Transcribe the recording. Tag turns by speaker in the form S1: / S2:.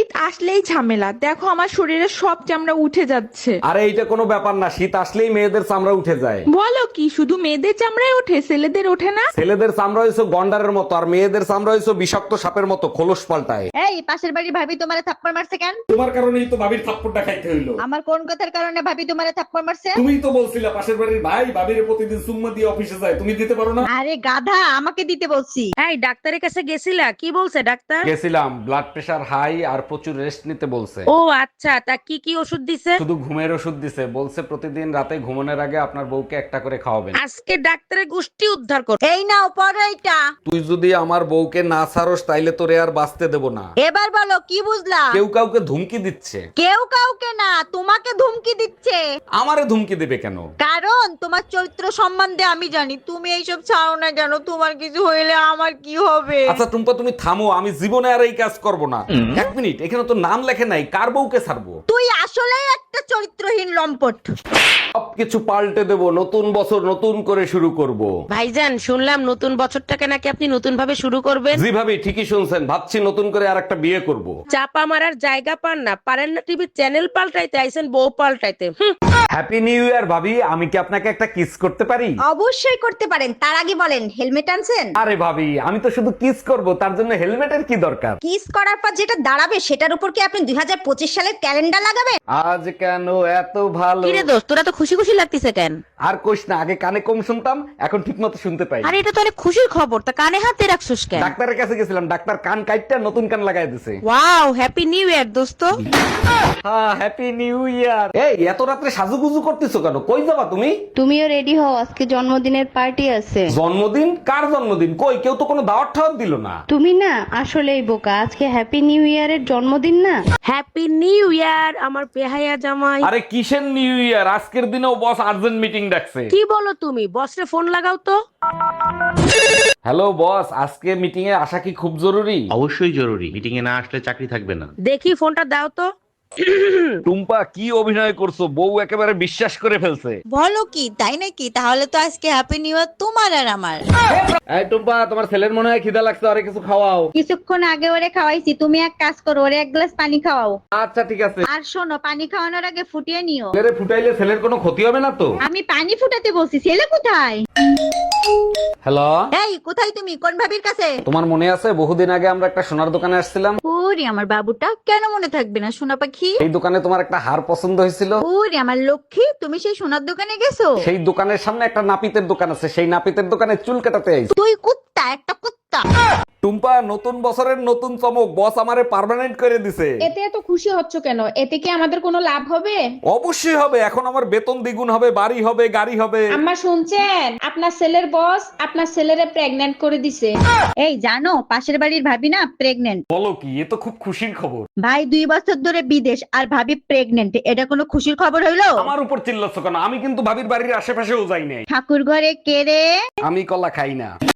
S1: শীত আসলেই ঝামেলা, দেখো আমার শরীরের সব চামড়া উঠে যাচ্ছে।
S2: আরে এইটা কোনো ব্যাপার না, শীত আসলেই মেয়েদের চামড়া উঠে যায়।
S1: বলো কি, শুধু মেয়েদের চামড়ায় ওঠে, ছেলেদের ওঠে না?
S2: ছেলেদের চামড়া হয়েছে গন্ডারের মতো, আর মেয়েদের চামড়া হয়েছে বিষাক্ত সাপের মতো, খোলস পাল্টায়।
S3: এই পাশের বাড়ির ভাবি তোমারে থাপ্পড় মারছে কেন?
S2: তোমার কারণেই তো ভাবির থাপ্পড়টা খাইতে হইলো।
S3: আমার কোন কথার কারণে ভাবি তোমারে থাপ্পড় মারছে?
S2: তুমিই তো বলছিলা পাশের বাড়ির ভাই ভাবির প্রতিদিন চুম্মা দিয়ে অফিসে যায়, তুমি দিতে পারো না?
S3: আরে গাধা, আমাকে দিতে বলছি।
S4: এই ডাক্তারের কাছে গেছিলা, কি বলছে ডাক্তার?
S2: গেছিলাম, ব্লাড প্রেশার হাই আর প্রচুর রেস্ট নিতে বলছে।
S4: ও আচ্ছা, তা কি কি ওষুধ দিছে?
S2: শুধু ঘুমের ওষুধ দিছে, বলছে প্রতিদিন রাতে ঘুমানোর আগে আপনার বউকে একটা করে খাওয়াবেন।
S4: আজকে ডাক্তারের গোষ্ঠী উদ্ধার কর।
S3: এই নাও পড়ো এইটা।
S2: তুই যদি আমার বউকে না ছাড়স তাইলে তোরে আর বাঁচতে দেব না।
S3: এবার বলো কি বুঝলা?
S2: কেউ কাউকে ধুমকি দিচ্ছে।
S3: কেউ কাউকে না, তোমাকে ধুমকি দিচ্ছে।
S2: আমারে ধুমকি দেবে কেন?
S3: কারণ তোমার চরিত্র সম্বন্ধে আমি জানি। তুমি এইসব ছাড়ো না কেন? তোমার কিছু হইলে আমার কি হবে?
S2: আচ্ছা টুম্পা, তুমি থামো, আমি জীবনে আর এই কাজ করব না। এক মিনিট, এখানে তো নাম লেখে নাই, কার বউকে ছাড়বো?
S3: তুই আসলেই একটা চরিত্রহীন লম্পট।
S2: সবকিছু পাল্টে দেব, নতুন বছর নতুন করে শুরু করব।
S4: ভাইজান, শুনলাম নতুন বছরটাকে নাকি আপনি নতুন ভাবে শুরু করবেন।
S2: জি ভাবি, ঠিকই শুনছেন, ভাবছি নতুন করে আর একটা বিয়ে করব।
S4: চাপা মারার জায়গা পান না, পারেন না টিভির চ্যানেল পাল্টাইতে, আইছেন বউ পাল্টাইতে।
S2: হ্যাপি নিউ ইয়ার ভাবি, আমি কি আপনাকে একটা কিস করতে পারি?
S3: অবশ্যই করতে পারেন, তার আগে বলেন হেলমেট আনছেন?
S2: আরে ভাবি, আমি তো শুধু কিস করব, তার জন্য হেলমেটের কি দরকার?
S3: কিস করার পর যেটা দাঁড়াবে সেটার উপর কি আপনি 2025 সালের ক্যালেন্ডার লাগাবেন?
S2: আজ কেন এত ভালো?
S4: কিরে দোস্ত, তোরা তো খুশি খুশি লাগতেছে কেন?
S2: আর কোশ না, আগে কানে কম শুনতাম, এখন ঠিক মতো শুনতে পাই।
S4: আরে এটা তো অনেক খুশির খবর, তা কানে হাতে রাখছস কেন?
S2: ডাক্তারের কাছে গেছিলাম, ডাক্তার কান কাইটটা নতুন কান লাগাই দিছে।
S4: ওয়াও, হ্যাপি নিউ ইয়ার দোস্ত।
S2: হ্যাঁ, হ্যাপি নিউ ইয়ার। এই এত রাত্রে সাজুগুজু করতেছো কেন? কই যাবা তুমি?
S5: তুমিও রেডি হও, আজকে জন্মদিনের পার্টি আছে।
S2: জন্মদিন? কার জন্মদিন? কই, কেউ তো কোনো দাওয়াত ঠাওয়াত দিল না।
S5: তুমি না আসলেই বোকা, আজকে হ্যাপি নিউ ইয়ারের জন্মদিন না।
S4: হ্যাপি নিউ ইয়ার আমার বেহায়া জামাই।
S2: আরে কিসের নিউ ইয়ার? আজকের দিনেও বস আর্জেন্ট মিটিং ডাকছে।
S4: কি বলো তুমি? বসরে ফোন লাগাও তো।
S2: হ্যালো বস, আজকে মিটিং এ আসা কি খুব জরুরি?
S6: অবশ্যই জরুরি, মিটিং এ না আসলে চাকরি থাকবে না।
S4: দেখি ফোনটা দাও তো।
S2: টুম্পা, কি অভিনয় করছো? বউ একেবারে বিশ্বাস করে ফেলছে।
S3: বলো কি, তাই নাকি? তাহলে তো আজকে হ্যাপি নিউ ইয়ার তোমার আর আমার।
S2: এই টুম্পা, তোমার ছেলের মনে হয় খিদা লাগছে, আরে কিছু খাওয়াও।
S3: কিছুক্ষণ আগে ওরে খাওয়াইছি, তুমি এক কাজ করো, ওরে এক গ্লাস পানি খাওয়াও।
S2: আচ্ছা ঠিক আছে।
S3: আর শোনো, পানি খাওয়ানোর আগে ফুটিয়ে নিও।
S2: ছেলেরে ফুটাইলে ছেলের কোনো ক্ষতি হবে না তো?
S3: আমি পানি ফুটাতে বলছি, ছেলে কোথায়?
S2: হ্যালো,
S3: এই কোথায় তুমি? কোন ভাবির কাছে?
S2: তোমার মনে আছে বহুদিন আগে আমরা একটা সোনার দোকানে আসছিলাম?
S3: ওরে আমার বাবুটা, কেন মনে থাকবে না সোনা পাখি?
S2: এই দোকানে তোমার একটা হার পছন্দ হয়েছিল।
S3: ওরে আমার লক্ষ্মী, তুমি সেই সোনার দোকানে গেছো?
S2: সেই দোকানের সামনে একটা নাপিতের দোকান আছে, সেই নাপিতের দোকানে চুল কাটাতে আইছি।
S3: তুই কুত্তা, একটা কুত্তা।
S2: টুম্পা, নতুন বছরের নতুন চমক, বস আমারে পার্মানেন্ট করে দিছে।
S7: এতে এত খুশি হচ্ছ কেন? এতে কি আমাদের কোনো লাভ হবে?
S2: অবশ্যই হবে, এখন আমার বেতন দ্বিগুণ হবে, বাড়ি হবে, গাড়ি হবে।
S7: আম্মা শুনছেন? আপনার ছেলের বস আপনার ছেলেরে প্রেগন্যান্ট করে দিছে।
S3: এই জানো, পাশের বাড়ির ভাবি না প্রেগনেন্ট।
S2: বলো কি, এ তো খুব খুশির খবর।
S3: ভাই 2 বছর ধরে বিদেশ, আর ভাবি প্রেগনেন্ট, এটা কোনো খুশির খবর হইলো?
S2: আমার উপর চিল্লাচ্ছ কেন? আমি কিন্তু ভাবির বাড়ির আশেপাশেও যাই নাই।
S3: ঠাকুর ঘরে কে রে?
S2: আমি কলা খাই না।